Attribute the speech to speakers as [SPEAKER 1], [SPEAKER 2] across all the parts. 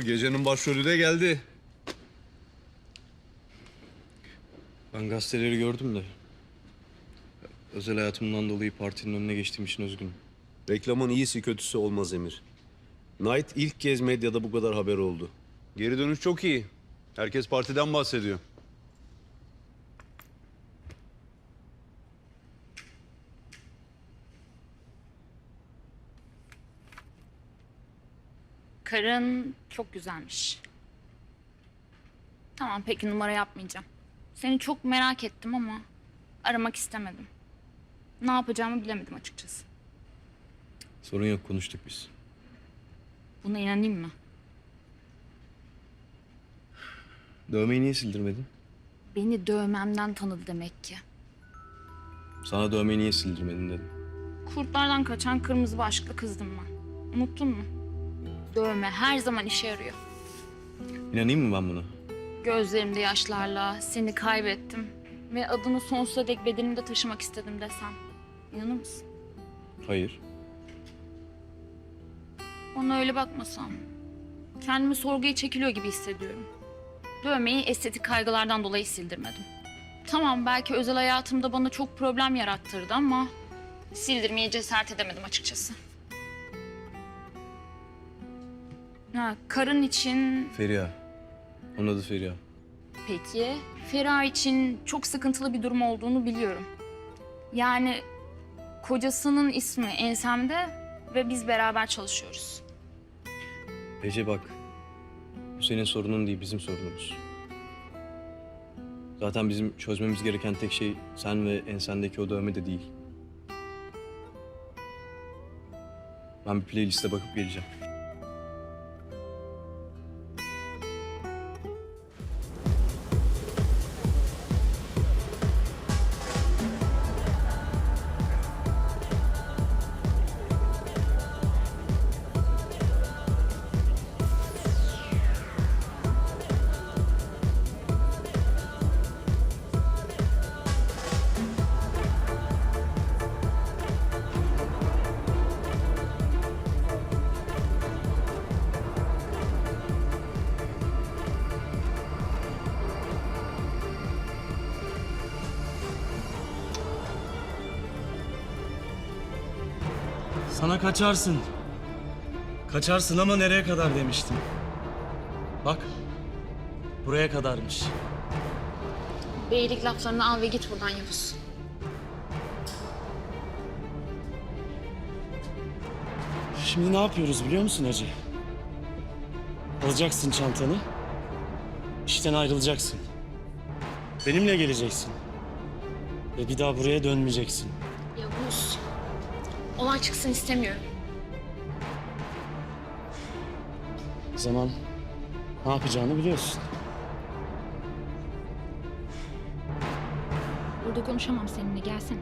[SPEAKER 1] Gecenin başrolü de geldi.
[SPEAKER 2] Ben gazeteleri gördüm de özel hayatımdan dolayı partinin önüne geçtiğim için üzgünüm.
[SPEAKER 1] Reklamın iyisi kötüsü olmaz Emir. Knight ilk kez medyada bu kadar haber oldu. Geri dönüş çok iyi. Herkes partiden bahsediyor.
[SPEAKER 3] Karın çok güzelmiş. Tamam, peki, numara yapmayacağım. Seni çok merak ettim ama aramak istemedim. Ne yapacağımı bilemedim açıkçası.
[SPEAKER 2] Sorun yok, konuştuk biz.
[SPEAKER 3] Buna inanayım mı?
[SPEAKER 2] Dövmeyi niye sildirmedin?
[SPEAKER 3] Beni dövmemden tanıdı demek ki.
[SPEAKER 2] Sana dövmeyi niye sildirmedin dedim.
[SPEAKER 3] Kurtlardan kaçan kırmızı başlıklı kızdım ben. Unuttun mu? Dövme her zaman işe yarıyor.
[SPEAKER 2] İnanayım mı ben buna?
[SPEAKER 3] Gözlerimde yaşlarla seni kaybettim ve adını sonsuza dek bedenimde taşımak istedim desem. İnanır mısın?
[SPEAKER 2] Hayır.
[SPEAKER 3] Ona öyle bakmasam. Kendimi sorguya çekiliyor gibi hissediyorum. Dövmeyi estetik kaygılardan dolayı sildirmedim. Tamam, belki özel hayatımda bana çok problem yarattırdı ama sildirmeye cesaret edemedim açıkçası. Ha, karın için
[SPEAKER 2] Feriha. Onun adı Feriha.
[SPEAKER 3] peki, Feriha için çok sıkıntılı bir durum olduğunu biliyorum. Yani kocasının ismi ensemde ve biz beraber çalışıyoruz.
[SPEAKER 2] Ece bak. Bu senin sorunun değil, bizim sorunumuz. Zaten bizim çözmemiz gereken tek şey sen ve ensendeki o dövme de değil. Ben bir playliste bakıp geleceğim.
[SPEAKER 4] Sana kaçarsın. Kaçarsın ama nereye kadar demiştim. Bak, buraya kadarmış.
[SPEAKER 3] Beylik laflarını al ve git buradan Yavuz.
[SPEAKER 4] Şimdi ne yapıyoruz biliyor musun Hacı? Alacaksın çantanı, işten ayrılacaksın. Benimle geleceksin. Ve bir daha buraya dönmeyeceksin.
[SPEAKER 3] Yavuz, olay çıksın istemiyorum.
[SPEAKER 4] O zaman ne yapacağını biliyorsun.
[SPEAKER 3] Burada konuşamam seninle, gelsene.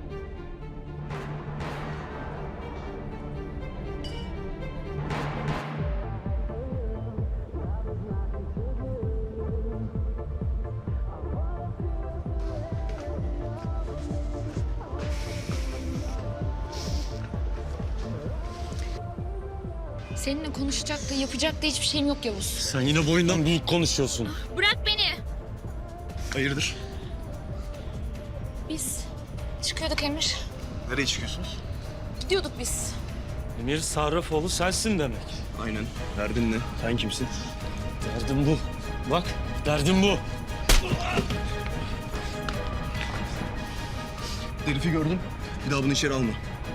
[SPEAKER 3] Seninle konuşacak da yapacak da hiçbir şeyim yok Yavuz.
[SPEAKER 4] Sen yine boyundan büyük konuşuyorsun.
[SPEAKER 3] Bırak beni.
[SPEAKER 2] Hayırdır?
[SPEAKER 3] Biz çıkıyorduk Emir.
[SPEAKER 2] Nereye çıkıyorsunuz?
[SPEAKER 3] Gidiyorduk biz.
[SPEAKER 4] Emir Sarrafoğlu sensin demek.
[SPEAKER 2] Aynen. Derdin ne? Sen kimsin?
[SPEAKER 4] Derdim bu. Bak, derdim bu.
[SPEAKER 2] Herifi gördüm. Bir daha bunu içeri alma.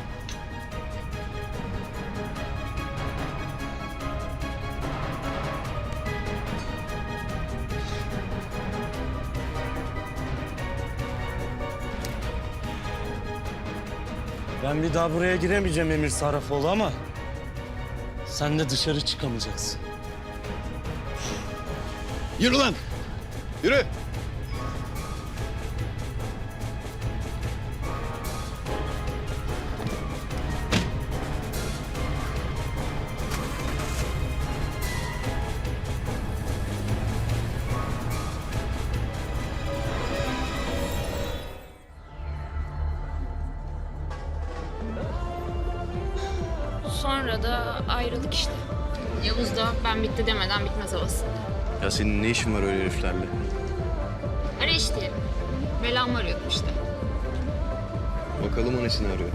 [SPEAKER 4] Ben bir daha buraya giremeyeceğim Emir Sarrafoğlu ama sen de dışarı çıkamayacaksın.
[SPEAKER 2] Yürü lan! Yürü!
[SPEAKER 3] Sonra da ayrıldık işte. Yavuz da ben bitti demeden bitmez havasında.
[SPEAKER 2] Ya senin ne işin var öyle heriflerle?
[SPEAKER 3] Ara iş diyelim. Belamı arıyordum işte.
[SPEAKER 2] Bakalım annesini arıyor.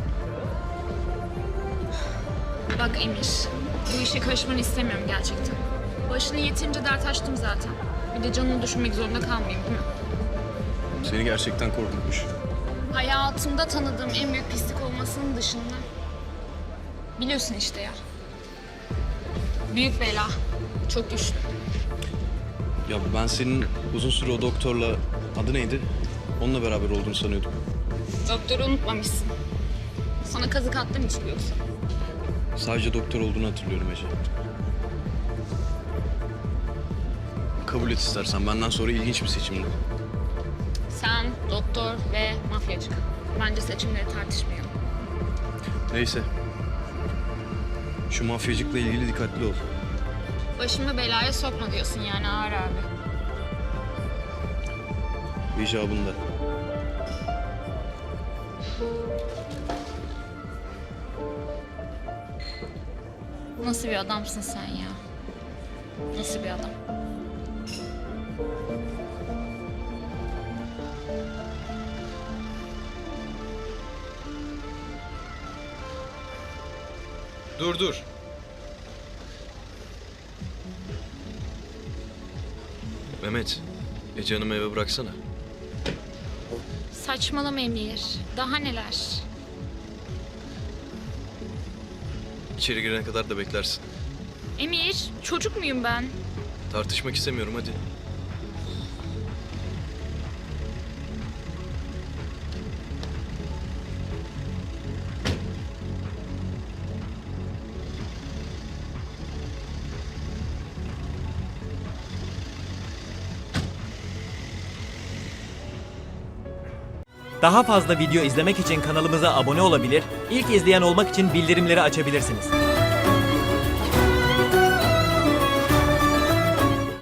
[SPEAKER 3] Bak Emir, bu işe karışmanı istemiyorum gerçekten. Başını yeterince dert açtım zaten. Bir de canını düşünmek zorunda kalmayayım değil mi?
[SPEAKER 2] Seni gerçekten korkutmuş.
[SPEAKER 3] Hayatımda tanıdığım en büyük pislik olmasının dışında. Biliyorsun işte ya. Büyük bela. Çok güçlü.
[SPEAKER 2] Ya ben senin uzun süre o doktorla, adı neydi? Onunla beraber olduğunu sanıyordum.
[SPEAKER 3] Doktoru unutmamışsın. Sana kazık attım hiç yoksa.
[SPEAKER 2] Sadece doktor olduğunu hatırlıyorum Ece. Kabul et istersen, benden sonra ilginç bir seçimdi.
[SPEAKER 3] Sen, doktor ve mafyacı. Bence seçimleri tartışmayalım.
[SPEAKER 2] Neyse. Şu mafyacıkla ilgili dikkatli ol.
[SPEAKER 3] Başımı belaya sokma diyorsun yani Ağır abi.
[SPEAKER 2] İcabında.
[SPEAKER 3] Nasıl bir adamsın sen ya? Nasıl bir adam?
[SPEAKER 2] Dur. Mehmet, Ece Hanım'ı eve bıraksana.
[SPEAKER 3] Saçmalama Emir. Daha neler?
[SPEAKER 2] İçeri girene kadar da beklersin.
[SPEAKER 3] Emir, çocuk muyum ben?
[SPEAKER 2] Tartışmak istemiyorum, hadi.
[SPEAKER 5] Daha fazla video izlemek için kanalımıza abone olabilir, ilk izleyen olmak için bildirimleri açabilirsiniz.